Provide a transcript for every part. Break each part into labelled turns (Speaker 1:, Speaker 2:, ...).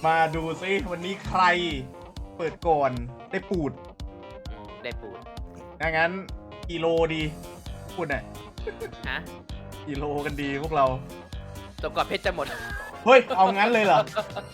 Speaker 1: มาดูซิวันนี้ใครเปิดก่อนได้ปูด
Speaker 2: ได้ปูด
Speaker 1: งั้นกิโลดีพูดหน่อย
Speaker 2: ฮะ
Speaker 1: กิโลกันดีพวกเรา
Speaker 2: จนกว่าเพชรจะหมด
Speaker 1: เฮ้ยเอางั้นเลยเหรอ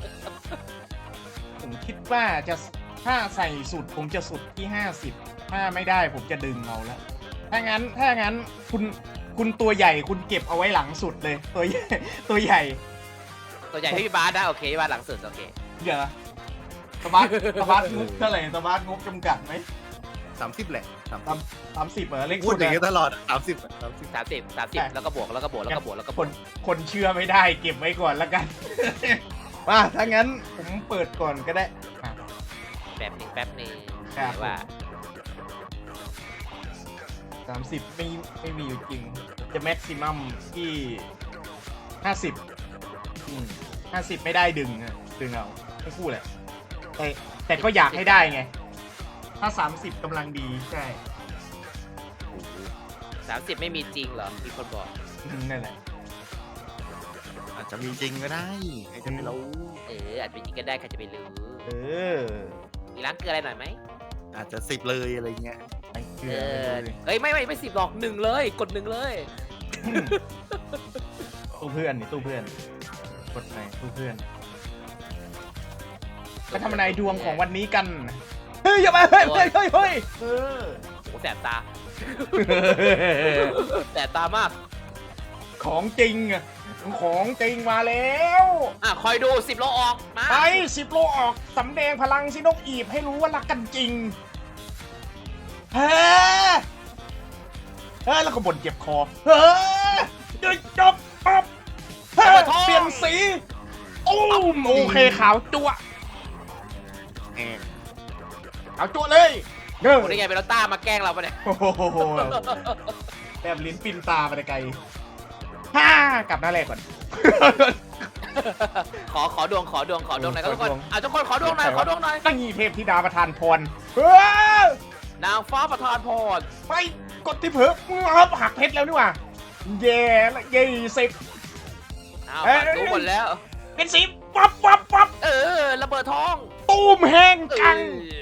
Speaker 1: ผมคิดว่าจะถ้าใส่สุดผมจะสุดที่50ถ้าไม่ได้ผมจะดึงเอาแล้วถ้างั้นคุณตัวใหญ่คุณเก็บเอาไว้หลังสุดเลยตัวใหญ่ตัวใหญ่
Speaker 2: ตัวใหญ่ให้พี่บาสนะโอเคพี่บาสหลังสุดโอเค
Speaker 1: เดี๋ยวนะสบาร์ทงบเท่าไหร่สบาร์ทงบจำกัดไหม
Speaker 3: 30แหละ
Speaker 1: 30เหรอเลข
Speaker 3: พู
Speaker 1: สุ
Speaker 3: ด
Speaker 1: ด
Speaker 3: อย่างนี้
Speaker 1: อะ
Speaker 3: ตลอด30
Speaker 2: 30แล้วก็บวกแล้วก็บวกแล้วก็บวกแล้วก็บวก
Speaker 1: คนเชื่อไม่ได้เก็บไว้ก่อนแล้วกัน มาถ้างั้นผมเปิดก่อนก็ได้อ่ะ
Speaker 2: แป๊บหนึง
Speaker 1: ครับ
Speaker 2: ว่า
Speaker 1: 30ไม่มีอยู่จริง จะแม็กซิมัมที่50ไม่ได้ดึงอะดึงเอาทั้งคู่แหละแต่ก็อยากให้ได้ไง ถ้า30กำลังดีใช่
Speaker 2: 30ไม่มีจริงเหรอมีคนบอก
Speaker 1: นั่นแหละ
Speaker 3: อาจจะมีจริงก็ได้ใครจะไม่รู้
Speaker 2: อาจเป็นจริงก็ได้ใครจะไปรู้
Speaker 1: เออ
Speaker 2: มีล้างเกลืออะไรหน่อยไหม
Speaker 3: อาจจะ10เลยอะไรเงี้ย
Speaker 1: ไอ้เกลื
Speaker 2: เอ
Speaker 1: อ
Speaker 2: อ
Speaker 1: เลย
Speaker 2: เฮ้ยไม่10หรอก1เลยกด1เลย
Speaker 1: ตู้เพื่อนนี่ตู้เพื่อนกดไหนตู้เพื่อนไปทำนายดวงของวันนี้กัน เฮ้ยอย่ามาเฮ้ยเออ
Speaker 2: โอ้แสบตาแสบตามาก
Speaker 1: ของจริงอะของจริงมาแล้ว
Speaker 2: คอยดู10โลออกมา
Speaker 1: ไป10 โลออกสำแดงพลังสินกอีบให้รู้ว่ารักกันจริงเฮ้แล้วก็บ่นเจ็บคอเฮ้ยจบปั๊บเฮ้เปลี่ยนสีโอเคขาวจั่ว
Speaker 3: แหม
Speaker 1: ขาวจั่วเลยเด้อ
Speaker 2: โอ้ได้ไงเป็นรถต้ามาแกล้งเราปะเนี่ย
Speaker 1: โอ้โหแบบลิ้นปิ้นตาไปไกลกลับหน้าแรกก่อน
Speaker 2: ขอดวงหน่อยครับทุกคนทุกคนขอดวงหน่อย
Speaker 1: ตั้งยีเทพธิดาประทานพร
Speaker 2: นางฟ้าประทานพร
Speaker 1: ไปกดที่เผือกครับหักเพชรแล้วนี่หว่าแย่ละ
Speaker 2: รู้หมดแล้ว
Speaker 1: เป็นสีปั๊บ
Speaker 2: ระเบิดทอง
Speaker 1: ตูมแห้งจัง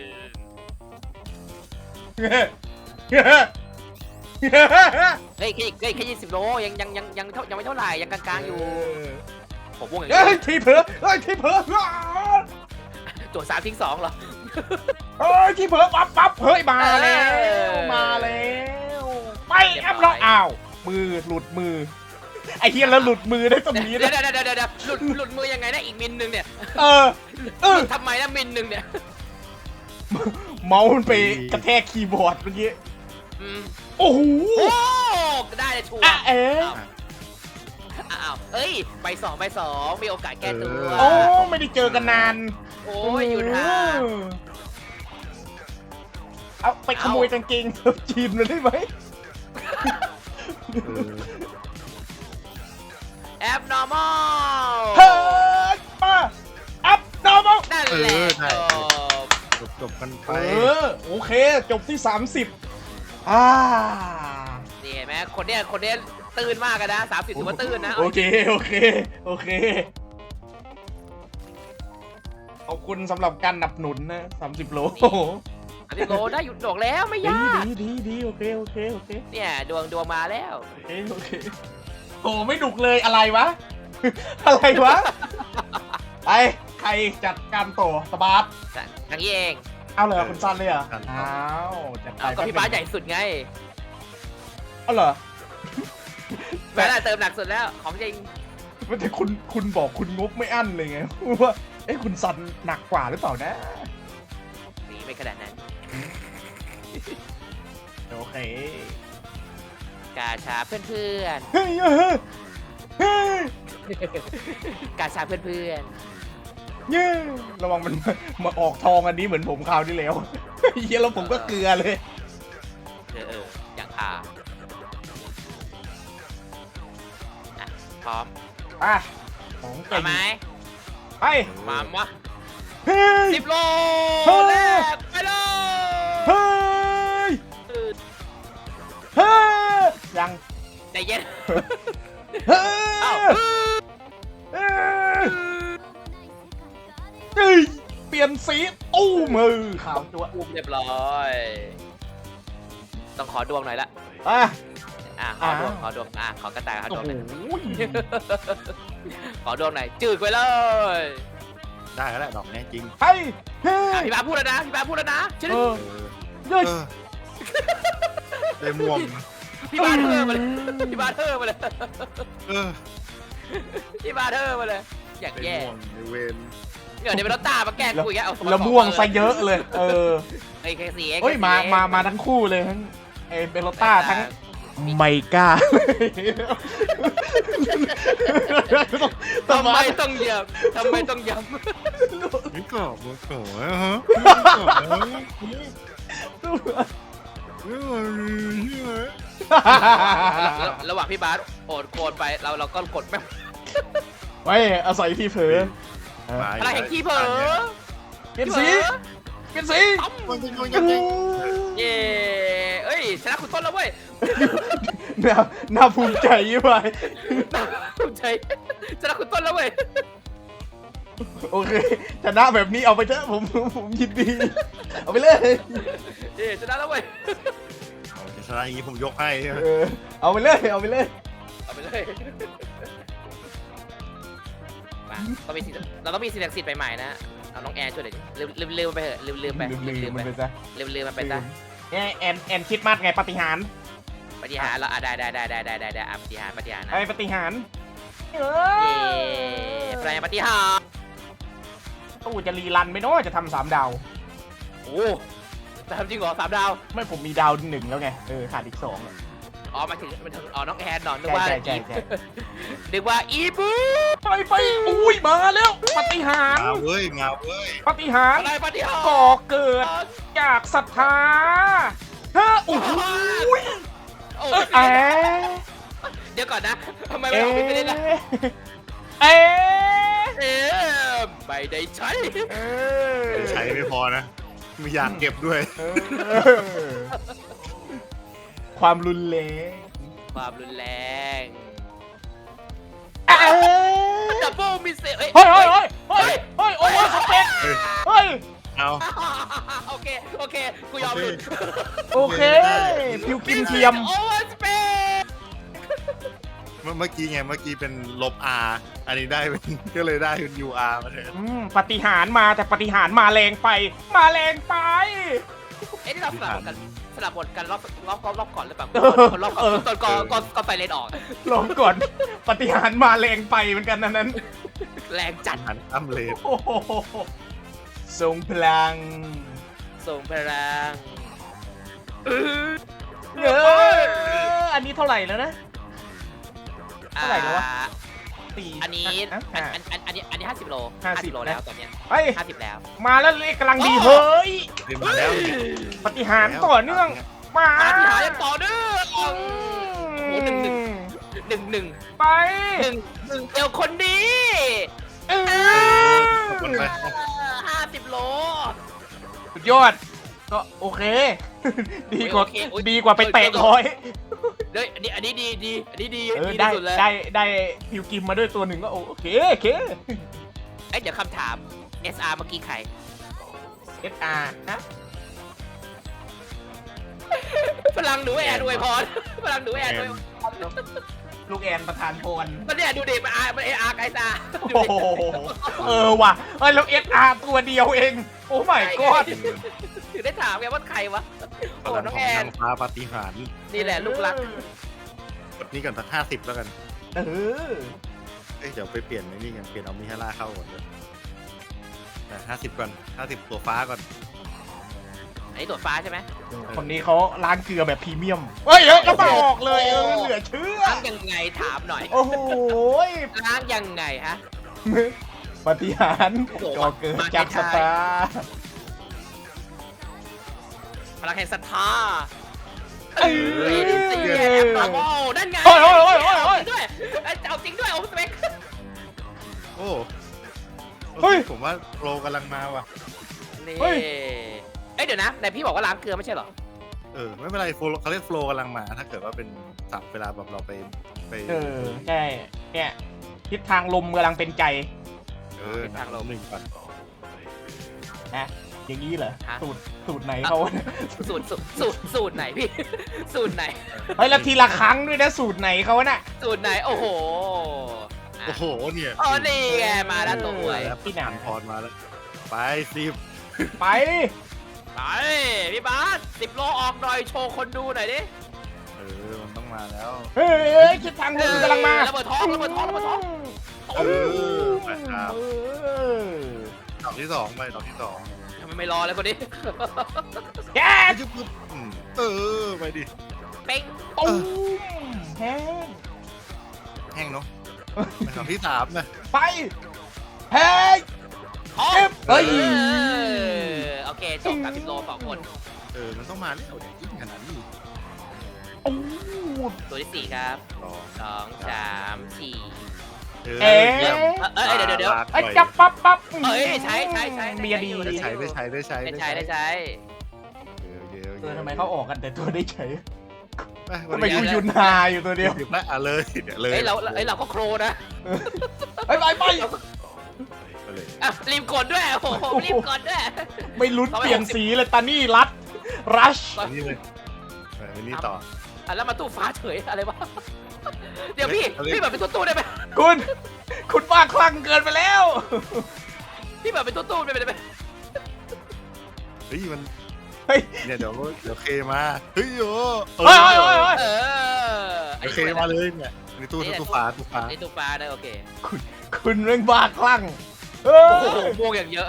Speaker 2: เฮ้ยแค่20โลยังไม่เท่าไหร่ยังกลางๆอยู่ผมวงอย่าง
Speaker 1: เฮ้ย
Speaker 2: นี้
Speaker 1: ทีเผือก
Speaker 2: ตัว3ทิ้ง2เหรอ
Speaker 1: ทีเผือกปั๊บเฮ้ยมาแล้วไปแอปแล้วอ้าวมือหลุดมือไอ้เฮียแล้วหลุดมือได้ตรงนี้
Speaker 2: เดี๋
Speaker 1: นะ
Speaker 2: ยวหลุดมือยังไงนะอีกมิลนึงเนี่ย ทำไมนะมิลนึงเนี่ย
Speaker 1: เมาส์มันไปกระแทกคีย์บอร์ดเมื่อกี้โอ้โห
Speaker 2: โอ้ได้เลยชัวร์อ้าวเอ้ยไปสองมีโอกาสแก้ตัว
Speaker 1: โอ้ไม่ได้เจอกันนาน
Speaker 2: โอ้ยอยู่นะ
Speaker 1: เอาไปขโมยกางเกงเธอจีนมาได้ไหม
Speaker 2: แอป normal
Speaker 1: เฮ้ยมาอัพนอร์มอล
Speaker 2: นั่นแหละ
Speaker 3: จบกันไป
Speaker 1: โอเคจบที่30
Speaker 2: นี่เห็นไหมคนเนี้ยตื่นมากกันนะ30ถือว่าตื่นนะ
Speaker 1: โอเคขอบคุณสำหรับการหนับหนุนนะ30 โล
Speaker 2: 30โลได้หยุดดอกแล้วไม่ยาก
Speaker 1: ดีโอเค
Speaker 2: เนี่ยดวงมาแล้ว
Speaker 1: โอเคโอ้ไม่ดุกเลยอะไรวะ อะไรวะไปใครจัดการต่อสบาร์ท
Speaker 2: ทางนี้เอง
Speaker 1: เอาเลยคุณซันเลยเหรออ้าวจัดไป
Speaker 2: ก็พี่บ้าใหญ่สุดไง
Speaker 1: เอาเหรอ
Speaker 2: แม่เติมหนักสุดแล้วของจริง
Speaker 1: แต่คุณบอกคุณงบไม่อั้นเลยไงว่าคุณซันหนักกว่าหรือเปล่านะ
Speaker 2: นี่ไม่ขนาดนั้น
Speaker 1: โอเค
Speaker 2: กาชาเพื่อน
Speaker 1: เฮ้ย
Speaker 2: กาชาเพื่อน
Speaker 1: เย้ระวังมันมาออกทองอันนี้เหมือนผมคราวที่แล้วเฮียแล้วผมก็เกลือเลย
Speaker 2: อย่างพาพร้อม
Speaker 1: ของ
Speaker 2: มา
Speaker 1: เก่ง
Speaker 2: ไหม
Speaker 1: ไป
Speaker 2: มาวะ
Speaker 1: เฮ้ย
Speaker 2: 10 โลแรกไปเลย
Speaker 1: เฮ้ยยัง
Speaker 2: ใจเย็น
Speaker 1: เฮ้
Speaker 2: เอ้า
Speaker 1: ยเอ้ยเปลี่ยนสีตู้มือขาวจั๊ว
Speaker 2: อุ้มเรียบร้อย ต้องขอดวงหน่อยละ
Speaker 1: อ่ะ
Speaker 2: ขอดวงขอกระต่ายขอด
Speaker 1: โอ้
Speaker 2: วง
Speaker 1: โห
Speaker 2: หน่อยขอดวงหน่อยจืดไปเลย
Speaker 3: ได้แล้วแหละดอกนี้จริง
Speaker 1: เฮ้ยเฮ้
Speaker 2: พี่บาพูดแล้วนะพี่บาพูดแล้วนะชื่อ
Speaker 1: เออ
Speaker 3: เออ
Speaker 1: เฮ้ย
Speaker 3: เออได้ม่วง
Speaker 2: พี่บาเธอมาเลยพี่บาเธอมาเลย
Speaker 3: เออ
Speaker 2: พี่บาเธอมาเลย อยาก
Speaker 3: ได้
Speaker 2: แย่
Speaker 3: ม่วงในเวน
Speaker 2: เดี๋ยวเป็นรถตามาแกล้งคุยกันเอา
Speaker 1: แล้วม่วงซะเยอะเลย เออ
Speaker 2: ไอ้แค่สี่เอง
Speaker 1: เฮ้ยมาทั้งคู่เลยทั้งเอเบโลต้าทั้งไมก้า
Speaker 2: ทำไมต้องเหยียบทำไมต้องย้
Speaker 3: นี่กรอบมันกรอบฮะ
Speaker 2: ำระหว่างพี่บาสโอดโคนไปเราก็กดแม่ง
Speaker 1: ไว้อาศัยที่เผลอ
Speaker 2: อะไรแห่งขี้เผลอ
Speaker 1: เปลี่ยนสีเปลี่ยนสี
Speaker 3: มันเป็นยังไง
Speaker 2: เย้เอ้ยชนะคุณต้นแล้วเว้ย
Speaker 1: น่าภูมิใจยี่ไป
Speaker 2: ภูมิใจชนะคุณต้นแล้วเว้ย
Speaker 1: โอเคชนะแบบนี้เอาไปเถอะผมยินดี เอาไปเลย
Speaker 2: เย้ชนะแล้วเว้ย
Speaker 3: ชนะอย่างนี้ผมยกให้
Speaker 1: เอาไปเลยเอาไปเลย
Speaker 2: เอาไปเลยมาต้องมีสิ่งเราต้องมีสิ่งศักดิ์สิทธิ์ใหม่ๆนะเอาน้องแอร์ช่วยหน่อยดิลืมไปเถอะลืมไป
Speaker 1: ลืม
Speaker 2: ไป
Speaker 1: มันไปซะ
Speaker 2: ลืมมันไปซะ
Speaker 1: เนี่ยแอนคิดมากไงปฏิหาร
Speaker 2: ปฏิหารเราได้ปฏิหารนะ
Speaker 1: ไอ้ปฏิหารเอ
Speaker 2: เย้
Speaker 1: อ
Speaker 2: แปลงปฏิหาร
Speaker 1: ตู้จะรีรันไหมเนาะจะทำ3 ดาว
Speaker 2: โอ้จะทำจริงเหรอ3 ดาว
Speaker 1: ไม่ผมมีดาว1แล้วไงขาดอีก2
Speaker 2: อ๋อมาถึงอ๋อน้องแอนนอนนึกว่า
Speaker 1: ใช่
Speaker 2: นึกว่าอีบู
Speaker 1: ไปอุ้ยมาแล้วปฏิหาร
Speaker 3: มาเว้ยมาเว้ย
Speaker 1: ปฏิหาร
Speaker 2: อะไรปฏิหาร
Speaker 1: ก่อเกิดจากศรัทธาเฮ้อโอ้โห
Speaker 2: โอ้
Speaker 1: เอ๊ะ
Speaker 2: เดี๋ยวก่อนนะทำไมไม่ออกไปได้ล่ะ
Speaker 1: เอ๊ะ
Speaker 2: ไม่ได้ใช้
Speaker 3: ใช้ไม่พอนะไม่อยากเก็บด้วย
Speaker 1: ความรุนแรง
Speaker 2: ความรุนแรง
Speaker 1: เอ๊ะ
Speaker 2: ดับเบิลมิสเซเฮ้ย
Speaker 1: เฮ้ยโอเวอร์สเปกเฮ้ย
Speaker 3: เอา
Speaker 2: โอเคกูยอมหลุด
Speaker 1: โอเคพิวกิมเทียม
Speaker 2: โอเวอร์สเปก
Speaker 3: เมื่อกี้ไงเมื่อกี้เป็นลบ R อันนี้ได้เป็น ก็เลยได้เป็น UR มาเลย
Speaker 1: ปฏิหารมาแต่ปฏิหารมาแรงไป มาแรงไป
Speaker 2: เอ๊ะนี่เราสลับบทกันรอบก่อนหรือเปล่า
Speaker 1: เออ
Speaker 2: คนรอบก่
Speaker 1: เอ
Speaker 2: อน
Speaker 1: อ
Speaker 2: ตอนก็ไปเลนออก
Speaker 1: ลองก่อนปฏิหารมาแรงไปเหมือนกันนั้น
Speaker 2: แรงจัด
Speaker 3: หันตั้มเลน
Speaker 1: โอ้โหทรงพลัง
Speaker 2: ส่งพลัง
Speaker 1: อันนี้เท่าไหร่แล้วนะ เท่าไหร่แล้ววะ ตี
Speaker 2: อันนี้
Speaker 1: อ่ะ
Speaker 2: อันนี้50 โล
Speaker 1: 50
Speaker 2: โลแล้วตอนเนี้ย
Speaker 1: เฮ้ย
Speaker 2: 50 แล้ว
Speaker 1: มาแล้วเลขกำลังดีเฮ้ย
Speaker 3: เต็มมาแล้ว
Speaker 1: ปฏิหารต่อเนื่อง มา
Speaker 2: ปฏิหารยังต่อเนื่อง
Speaker 1: อืม
Speaker 2: โอ้โหหนึ่ง
Speaker 1: ไป
Speaker 2: เดียวคนดี
Speaker 1: เออ
Speaker 3: ขอบคุณไป
Speaker 2: 50 โล
Speaker 1: สุดยอด ก็โอเค ดีกว่า
Speaker 2: โอเคโอ้ย
Speaker 1: ดีกว่าไปเตะร้อย
Speaker 2: เฮ้ยอันนี้ดีอันนี้ดี
Speaker 1: เออ
Speaker 2: ดี
Speaker 1: ได้
Speaker 2: ที่สุดเลย
Speaker 1: ได้พิวกิมมาด้วยตัวหนึ่งก็โอเค
Speaker 2: เอ้ยเดี๋ยวคำถาม SR เมื่อกี้ใคร
Speaker 1: SR นะ
Speaker 2: พลังหนูแอนอวยพรพลังหนูแอนอวยพร
Speaker 1: ลูกแอนประธานพร
Speaker 2: มันเนี่ยดูดิมัน SR ไกซ่า
Speaker 1: โอ้โหว่ะเอ้ยแล้ว SR ตัวเดียวเอง โอ้ my god
Speaker 2: ถึงได้ถามไงว่าใครวะ
Speaker 3: พ
Speaker 2: โอ้
Speaker 3: ลัง
Speaker 2: น้อง
Speaker 3: ขอ
Speaker 2: แอง น
Speaker 3: นางฟ้าปาฏิหาริย์
Speaker 2: นี่แหละลูกรัก
Speaker 3: กดนี้ก่อนสัก50แล้วกัน
Speaker 1: เออ
Speaker 3: เอ้ยเดี๋ยวไปเปลี่ยนไอ้นี่กันเปลี่ยนเอามิฮาร่าเข้าก่อนเลยแต่50ก่อน50ตัวฟ้าก่อน
Speaker 2: อันนี้ตัวฟ้าใช่ไหม
Speaker 1: คนนี้เขาล้างเกลือแบบพรีเมียมเฮ้ยแล้วมาออกเลยเหลือเชื่อ
Speaker 2: ล้างยังไงถามหน่อย
Speaker 1: โอ้โห
Speaker 2: ล้างยังไงฮะ
Speaker 1: ปฏิหาร
Speaker 2: โอ้โห
Speaker 1: ก่อเกิดจากสตาร์
Speaker 2: พลังแห่งศรัทธา
Speaker 1: เอ้ย
Speaker 2: โอ้นั่นไง
Speaker 1: โอ้ย
Speaker 2: ด้วยเอาจริงด้วยโอ้สเปค
Speaker 3: โอ้
Speaker 1: เฮ้ย
Speaker 3: ผมว่าโปรกำลังมาว่ะ
Speaker 2: นี่
Speaker 1: เฮ้ย
Speaker 2: เอ้ยเดี๋ยวนะแต่พี่บอกว่าล้างเกลือไม่ใช่เหรอ
Speaker 3: ไม่เป็นไรโฟลเขาเรียกโฟลกำลังมา ถ้าเกิดว่าเป็นศัพท์เวลาแบบเราไป
Speaker 1: ใช่เนี่ยทิศทางลมกำลังเป็นใจ
Speaker 3: ทางเราหนึ่งก่อน
Speaker 1: นะอย่างนี้เหรอ
Speaker 2: ฮะ
Speaker 1: สูตรไหนเขา
Speaker 2: สูตรไหนพี่ สูตรไหน
Speaker 1: เฮ้ยแล้วทีละครั้งด้วยนะสูตรไหนเขาน่ะ
Speaker 2: สูตรไหนโอ้โห
Speaker 3: โอ้โหเนี่ย
Speaker 2: อ๋อนี่ไงมาแล้วตัวหวย
Speaker 3: แล้วพี่หนานพรมาแล้วไป10
Speaker 1: ไป
Speaker 2: ไปพี่บาส10 โลออกหน่อยโชว์คนดูหน่อยดิ
Speaker 3: มันต้องมาแล้ว
Speaker 1: เฮ้ยคิดทางคุณกำลังมา
Speaker 2: ระเบิดท้องระเบิดท้องระเบิดท้อง
Speaker 3: ไปครับ ดอกที่สองไปดอกที่สอง
Speaker 2: ทำไมไม่รอเลยคนนี้
Speaker 1: แก
Speaker 3: ไปจุ๊บปุ๊บไปดิ
Speaker 2: เป้ง
Speaker 1: ตุ้มแห้ง
Speaker 3: แห้งเนาะไปดอกที่สามนะ
Speaker 1: ไปเฮ้ย
Speaker 2: ท้อง
Speaker 1: เจ็บเฮ้ย
Speaker 2: โอเคจบกับ10 โล2 คน
Speaker 3: มันต้องมาแล้วเนี่ยยิ่งขนาดนี้
Speaker 1: โอ้
Speaker 2: ตัวที่ 4 ครับ
Speaker 3: ต่อ
Speaker 2: 2 3 4
Speaker 1: เอ๊ะ
Speaker 2: เดี๋ยว
Speaker 1: ไอ้จับปั๊บ
Speaker 2: เอ้ยใช้
Speaker 1: เมียดี
Speaker 3: ได้ใช้
Speaker 2: ได้ใช้
Speaker 1: ทำไมเขาออกกันแต่ตัวได้ใช้
Speaker 3: ไป
Speaker 1: ทำไมกูยุนหาอยู่ตัวเดียว
Speaker 3: หยิบละเลยเดี๋ยวเลย
Speaker 2: เฮ้ยเราก็โครนะ
Speaker 1: ไป
Speaker 3: เลย
Speaker 2: อ่ะรีบกดด้วยโอ้โหรีบกดด้วย
Speaker 1: ไม่ลุ้นเปลี่ยนสีเลยตานี่รัช
Speaker 3: นี่เลยไปนี่ต่อ
Speaker 2: อ่ะแล้วมาตู้ฟ้าเฉยอะไรวะเดี๋ยวพี่แบบเป็นตู้ได้ไหม
Speaker 1: คุณบ้าคลั่งเกินไปแล้ว
Speaker 2: พี่แบบเป็นตู้ได้ไหม
Speaker 3: เฮ้ยมัน
Speaker 1: เฮ้ย
Speaker 3: เนี่ยเดี๋ยวเคมาเฮ้ยโอ้
Speaker 1: เฮ้ย
Speaker 3: เดี๋ยวเคมาเลยเนี่ยในตู้ฟ้า
Speaker 2: นี่ตู้ฟ้าได้โอเค
Speaker 1: คุณเรื่องบ้าคลั่งเอ
Speaker 2: โอ้โห
Speaker 1: อ
Speaker 2: ม่วงอย่างเยอะ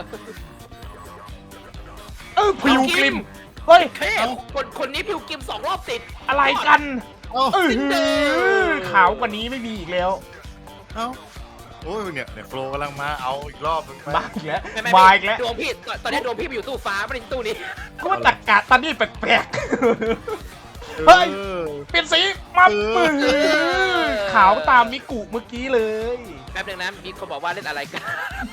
Speaker 1: พิวกลิมเฮ้ย
Speaker 2: เฮ้ยคนนี้พิวกิม2 รอบติด
Speaker 1: อะไรกัน
Speaker 3: เอ้า
Speaker 1: ขาวกว่านี้ไม่มีอีกแล้ว
Speaker 3: เอ้าโอ้ยเนี่ยโฟลกำลังมาเอาอีกรอบนึงไป
Speaker 1: บ้าอีกแล้ว
Speaker 2: ไม่
Speaker 1: มาอีกแล้ว
Speaker 2: ดวงพี่ตอนนี้ดวงพี่ไปอยู่ตู้ฟ้าไม่ได้ตู้นี้
Speaker 1: กูว่าตักกะตานี่แปลกเฮ้ย ๆเปลี่ยนสีมาปื้ขาวตามมิกุเมื่อกี้เลย
Speaker 2: แป๊บนึงนะมีคนบอกว่าเล่นอะไรกัน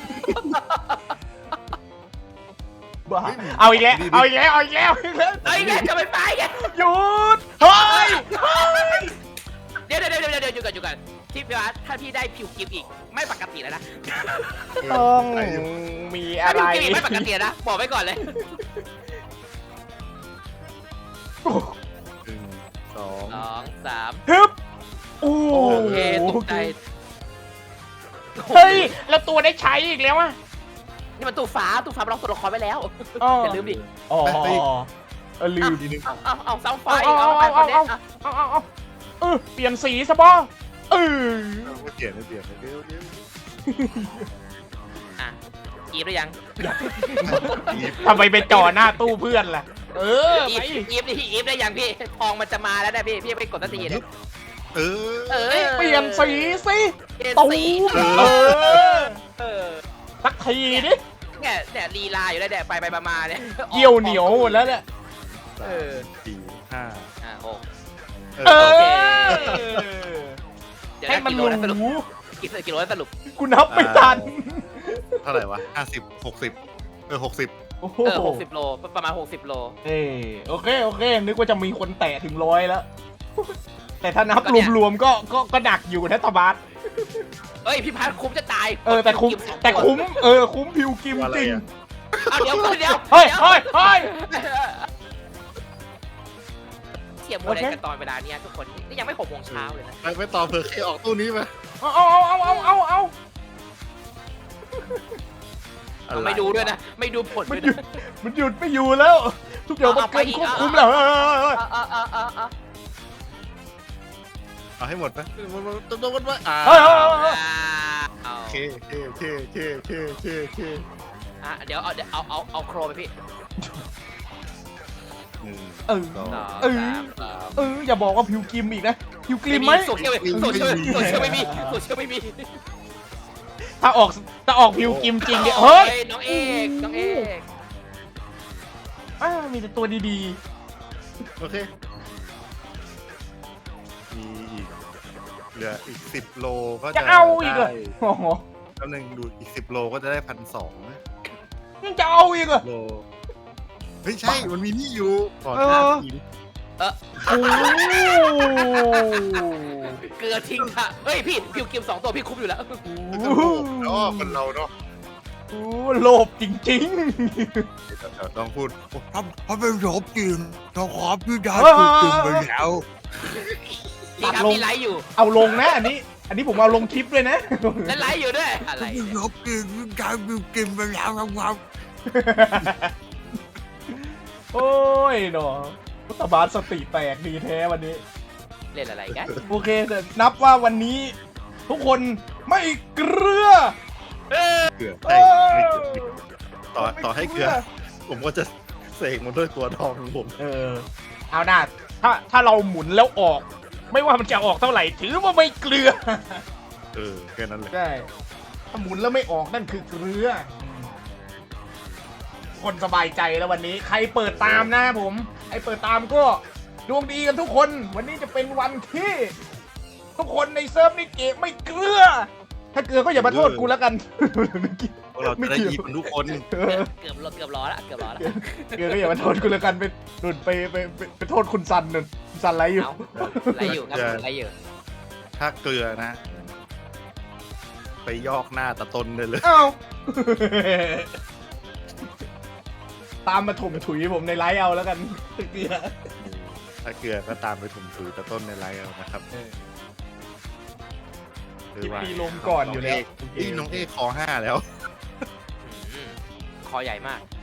Speaker 1: บ้าเอาอีกแล้วเอาอีกแล้ว
Speaker 2: เฮ้ยแม่จะไม่ไปไง
Speaker 1: หยุดเฮ้ย
Speaker 2: เดี๋ยวอยู่กันที่พี่ว่าถ้าพี่ได้พิวกิมอีกไม่ปกติแล้วนะ
Speaker 1: ต้องมี
Speaker 2: ถ้า
Speaker 1: อะไร
Speaker 2: พิวกิมอีกไม่ปกตินะบอกไว้ก่อนเลย
Speaker 3: 1 2
Speaker 2: 2 3
Speaker 1: ฮึบโอ้
Speaker 2: โอเคตกใจ
Speaker 1: เฮ้ยแล้วตัวได้ใช้อีกแล้วอ่ะ
Speaker 2: นี่มันตู้ฟ้าเราล็อกตัวละครไว้แล้ว
Speaker 1: อ๋อ
Speaker 2: อย่าลืมดิ
Speaker 1: อ๋อลืม
Speaker 3: ทีนึง
Speaker 2: เอาเสาไฟ
Speaker 1: เอาเปลี่ยนสีซะบ่
Speaker 3: ไม่เปลี่ยนเดี๋ยว
Speaker 2: อ่ะอีฟหรือยัง
Speaker 1: ทำไมไปจ่อหน้าตู้เพื่อนล่ะ
Speaker 2: อี
Speaker 1: ไป
Speaker 2: ฟอีฟได้ยังพี่ทองมันจะมาแล้วนะพี่ไปกดสักทีเนี่ย
Speaker 1: เปลี่ยนสีสิ
Speaker 2: เปลี่ยน
Speaker 1: ตู
Speaker 2: สี
Speaker 1: สักทีดิ
Speaker 2: เนี่ยลีลาอยู่แล้วเนี่ยไปมาเนี่ย
Speaker 1: เกี่ยวเหนียวหมดแล้วเนี่ย
Speaker 3: 3 4 5
Speaker 2: 6
Speaker 1: เออ
Speaker 2: เดี๋ยว
Speaker 1: ให้มัน
Speaker 2: กิโล
Speaker 1: รู้
Speaker 2: นะสรุปกิโลนะสรุป
Speaker 1: กูนับไม่ทัน
Speaker 3: เท่าไหร่วะ50 60 60
Speaker 1: โอ้โห
Speaker 2: 60 โลประมาณ60 โล
Speaker 1: โอเคนึกว่าจะมีคนแตะถึง100แล้ว แต่ถ้านับรวมๆก็หนักอยู่นะตบาส
Speaker 2: เฮ้ยพี่พัดคุ้มจะตาย
Speaker 1: แต่คุ้มคุ้มพิวกิมจริง
Speaker 2: เอาเดี๋ยว
Speaker 1: เฮ้ย
Speaker 2: เทียบโมเดลกันตอนเวลาเนี้ยทุกคนนี่ยังไม่6 โมงเช้าเลยนะ
Speaker 3: ไปต่อเผื่อเคออกตู้นี้มา
Speaker 1: เอา
Speaker 2: ไม่ดูด้วยนะไม่ดูผล
Speaker 1: มัน
Speaker 2: ด้วย
Speaker 1: หยุ
Speaker 2: นะ
Speaker 1: ดไม่อยู่แล้ว ทุกอย่างมันเกินควบคุมแล้ว
Speaker 3: เอาให้หมดไปต้องวัดว่าโอเค
Speaker 2: เดี๋ยวเอาโครไปพี่
Speaker 1: อย่าบอกว่าพิวกิมอีกนะพิวกิมไหม
Speaker 2: โซเชียลไม่มี
Speaker 1: ถ้าออกพิวกิมจริงเนี่ยเฮ้ย
Speaker 2: น้องเอก
Speaker 1: มีแต่ตัวดี
Speaker 3: โอเคมีอีกเหลืออีก10 โลก็
Speaker 1: ๆจะเอาอีกเหรอโอ้โห
Speaker 3: แป๊บนึงดูอีก10 โลก็จะได้1,200นะ
Speaker 1: ยังจะเอาอีกเหรอ
Speaker 3: โลเฮ้ยใช่ มันมีนี่อยู่ก่อน
Speaker 1: เออ
Speaker 3: 5 ที
Speaker 1: โอ้
Speaker 2: เกลือทิ้งค่ะเฮ้ยพี่พิวกิม2 ตัวพี่คุ้มอยู่แล้ว
Speaker 3: ก็ถูกเนาะคนเราเนาะ
Speaker 1: โอ้โลภจริง
Speaker 3: ต้องพูดถ้าเป็นโรบจริงนะครับพี่ดา
Speaker 1: เออ
Speaker 3: ถูกจริงไปแล้ว
Speaker 2: พี่ครับพี่ไลฟ์อยู่
Speaker 1: ๆ เอาลงนะอันนี้ผมเอาลงคลิปด้วยนะ
Speaker 2: และไลฟ์อยู่ด้วยอะไร
Speaker 3: ถ้าเป็น
Speaker 2: เนี่ย
Speaker 3: โรบจริงพี่ดาถูกจริงไปแล้วครับ
Speaker 1: โอ้ยหนอรัฐบาลสติแตกดีแท้วันนี้
Speaker 2: เล่นอะไรกัน
Speaker 1: โอเคแต่นับว่าวันนี้ ทุกคนไม่เกลือ
Speaker 3: เกลือให้ไม่เกลือต่อให้เกลือ ผมก็จะเสกมันด้วยตัวทองของผม
Speaker 1: เอาหน้าถ้าเราหมุนแล้วออก ไม่ว่ามันจะออกเท่าไหร่ ถือว่าไม่เกลือ
Speaker 3: แค่นั้นเลย
Speaker 1: ใช่ถ้าหมุนแล้วไม่ออกนั่นคือเกลือ คนสบายใจแล้ววันนี้ ใครเปิดตามนะผมไอเปิดตามก็ดวงดีกันทุกคน วันนี้จะเป็นวันที่ ทุกคนในเซิร์ฟนี่เกะไม่เกลือ ถ้าเกลือก็อย่ามาโทษกูแล้วกัน
Speaker 3: พวกเราจะได้อีกันทุกคน
Speaker 2: เกือบล้อละเกือบล้อละ
Speaker 1: เกลือก็อย่ามาโทษกูแล้วกันไปโทษคุณซันนู่นคุณซันไรอยู่
Speaker 2: เอาไลฟ์อยู่ครับผมไลฟ์อยู่
Speaker 3: ถ้าเกลือนะ ไปยอกหน้าตะตนเลยเลย
Speaker 1: เอ้า ตามมาถมถุยผมในไลฟ์เอาแล้วกันเกลือ
Speaker 3: ถ้าเกลือก็ตามไปถุ่มถุยตะต้นในไลน์เอานะครับ
Speaker 1: คลิปนี้ลงก่อนอยู่แล้ว
Speaker 3: น้องเอกคอ5แล้ว
Speaker 2: คอใหญ่มาก